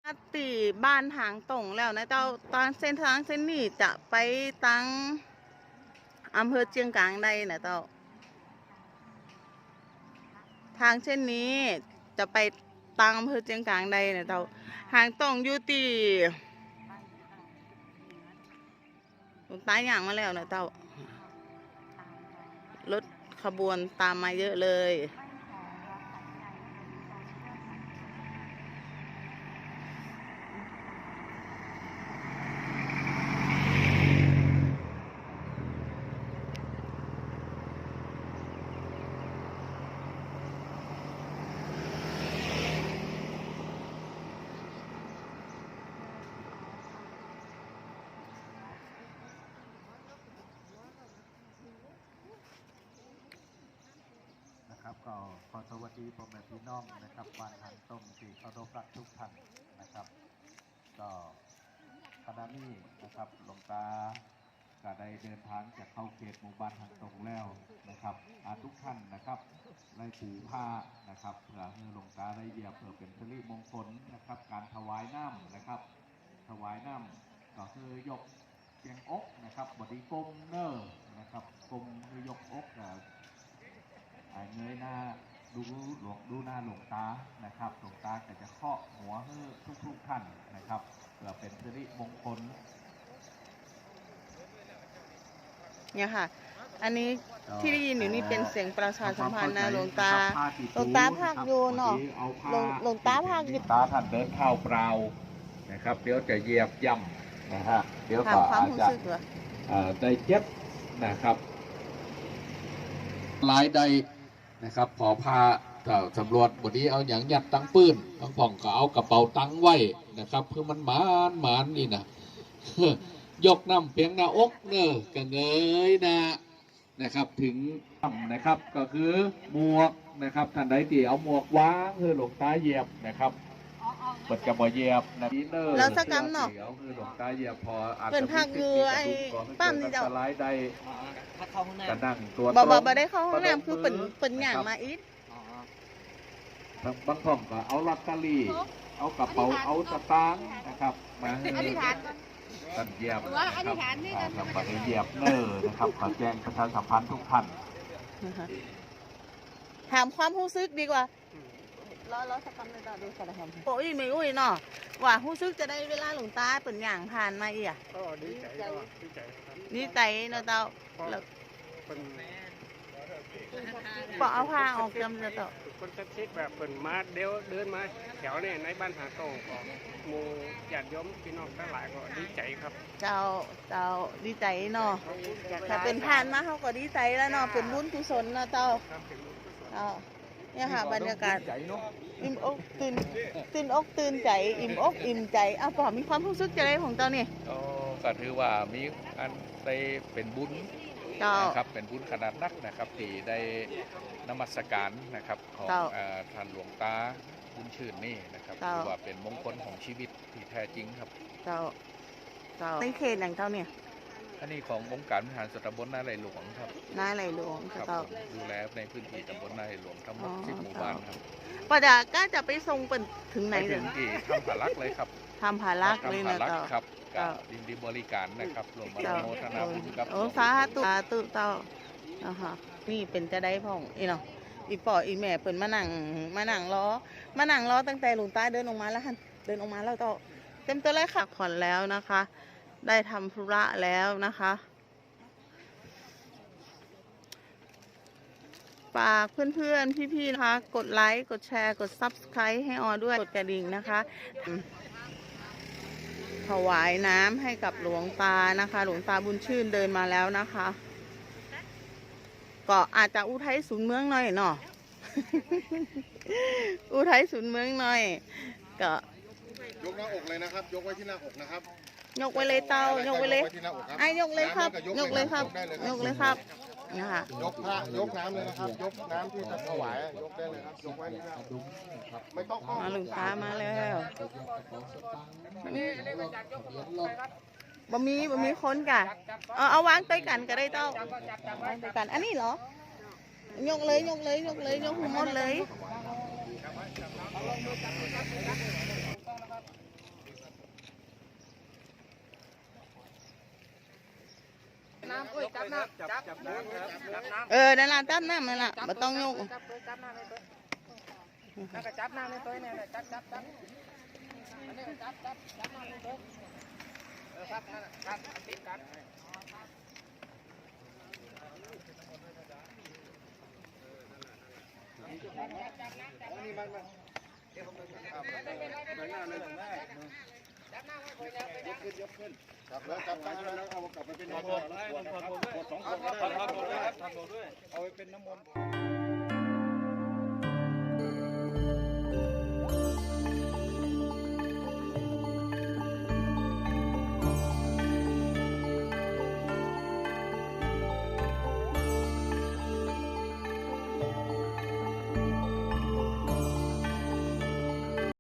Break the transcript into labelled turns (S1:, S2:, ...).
S1: ตีบ้านทางตรงแล้วนะเจ้าตอนเส้นทางเส้นนี้จะไปตั้งอำเภอเชียงกลางได้นะเจ้าทางเส้นนี้จะไปตั้งอำเภอเชียงกลางได้นะเจ้าทางตรงอยู่ตีตายอย่างมาแล้วนะเจ้ารถขบวนตามมาเยอะเลย
S2: ก็ขอสวัสดีพ่อแม่พี่น้องนะครับบ้านทางต้มที่เคารพรักทุกท่านนะครับก็ขณะนี้นะครับหลวงตาก็ได้เดินทางจากเข้าเขตหมู่บ้านทางตรงแล้วนะครับทุกท่านนะครับได้ถือผ้านะครับเพื่อให้หลวงตาได้เหยียบเพื่อเป็นสิริมงคลนะครับการถวายน้ำนะครับถวายน้ำก็คือยกเสียงอกนะครับบดีกลมเนอร์นะครับกลมคือยกอกเงยหน้าดูหน้าหลวงตานะครับหลวงตาก็จะเคาะหัวให้ทุกท่านนะครับเพื่อเป็นสิริมงคล
S1: เนี่ยค่ะอันนี้ที่ได้ยินอยู่นี่เป็นเสียงประชาสัมพันธ์นะหลวงตาภาคโยนเนาะหลวงตาภาคโยน
S2: ตาท่านเดินเข้าเปล่านะครับเดี๋ยวจะเหยียบย่ำนะฮะเดี๋ยวก็อาจจะได้เจ็บนะครับหลายใดนะครับพอพาสำรวจวันนี้เอาอย่างยัดตังปืนบางผ่องก็เอากระเป๋าตังไว้นะครับเพื่อมันหมานนี่นะยกน้ำเพียงหน้าอกเนอะกระเงยนะครับถึงนะครับก็คือหมวกนะครับท่านใดที่เอาหมวกวางคือหลวงตาเหยียบนะครับเปิดกระบอกเหยียบนะนี่เนอ
S1: แล้วสักกำเนาะ
S2: คือหลวงตาเหยียบพออาจ
S1: จะพักอยู่ไอ้ปั้มนี่เจ้า
S2: สไลด์ได้กระนั่งตัว
S1: บ่ได้เข้าห้องน้ำคือเป็นอย่างมาอีก
S2: บางท่องก็เอาลอตเตอรี่เอากระเป๋าเอาสตางค์นะครับมาให้ท่านเหยียบนะครับท่านเหยียบเนอนะครับขอแจ้งประชาสัมพันธ์ทุกท่าน
S1: ถามความรู้สึกดีกว่าล้อสักคำเลยจ้าดูสารคดีโอ้ยไม่อุ้ยเนาะว่ารู้สึกจะได้เวลาหลวงตาเป็นอย่างผ่านมาอีก
S3: ก็ดีใจ
S1: ดีใจเนาะเจ้าแล้วปอเอาผ้าออกจำจะต่อ
S3: คนจะคิดแบบเป็นมาเดินมาแถวเนี่ยในบ้านหาโต้ก็หมู่ญาติโยมพี่น้องทั้งหลายก็ดีใจครับ
S1: เจ้าดีใจเนาะถ้าเป็นผ่านมาเขาก็ดีใจแล้วเนาะเป็นบุญกุศลเนาะเจ้าเนี่ยค่ะบรรยากาศอิ่มอกตื่นอกตื่นใจอิ่มอกอิ่มใจเอาปอมีความรู้สึกใจของเจ้านี่
S2: ก็ถือว่ามีอันได้เป็นบุญนะครับเป็นบุญขนาดนักนะครับที่ได้นมัสการนะครับของท่านหลวงตาบุญชื่นนี่นะครับถือว่าเป็นมงคลของชีวิตที่แท้จริงครับ
S1: เจ้าในเขตอย่างเจ้าเนี่ย
S2: อันนี้ขององค์การบริหารส่วนตำบลนาไหลหลวงครับ
S1: นาไหลหลวง
S2: ครับดูแลในพื้นที่ตำบลนาไหลหลวงทั้งหมด10 หมู่บ้านครับ
S1: ป้าจ๋าก็จะไปส่งเป็นถึงไหน
S2: ถึงที่ทำผาลักเลยครับ
S1: ทำผาลักเลยนะเจ้า
S2: ครับดินดีบริการนะครับรวมมาโมทนาบุญกับ
S1: สาธุเจ้านี่เป็นจะได้พ่องอีเนาะอีป่ออีแม่เป็นมานั่งล้อตั้งแต่หลวงตาเดินออกมาแล้วเดินออกมาแล้วก็เต็มตัวเลยค่ะผ่อนแล้วนะคะได้ทำธุระแล้วนะคะฝากเพื่อนๆพี่ๆนะคะกดไลค์กดแชร์กด Subscribe ให้ออด้วยกดกระดิ่งนะคะถวายน้ำให้กับหลวงตานะคะหลวงตาบุญชื่นเดินมาแล้วนะคะก็อาจจะอุทัยศูนย์เมืองหน่อยเนาะ อุทัยศูนย์เมืองหน่อยก็
S4: ยกหน้าอกเลยนะครับยกไว้ที่หน้าอกนะครับ
S1: ยกไว้เลยเต้ายกไว้เลยไอ้ยกเลยครับยกเลยครับยกเลยครับนะคะ
S4: ยกผ้ายกน้ำเลยนะครับยกน้ำที่จะถวายยกได้เลยครับยกไว้ที่หน้าไม่ต้อง
S1: มาหลวงตามาแล้วบะมีคนกะเอาวางใต้กันก็ได้เต้าวางใต้กันอันนี้เหรอยกเลยยกหมดเลย
S5: จับน้ำจับน้ำจับน้ำ
S1: นั่นล่ะจับน้ำนั่นล่ะบ่ต้องยก
S5: จับน้ำเลยตัวนั่นก็จับน้ำเลยตัวนี่จับอันนี้จับน้ำเลยตัวครับนั่นครับติดกันนี่มันยกขึ้นจับแล้วจับตั้งแล้วเอากลับไปเป็นน้ำมนต์เอาไปเป็นน้ำมนต์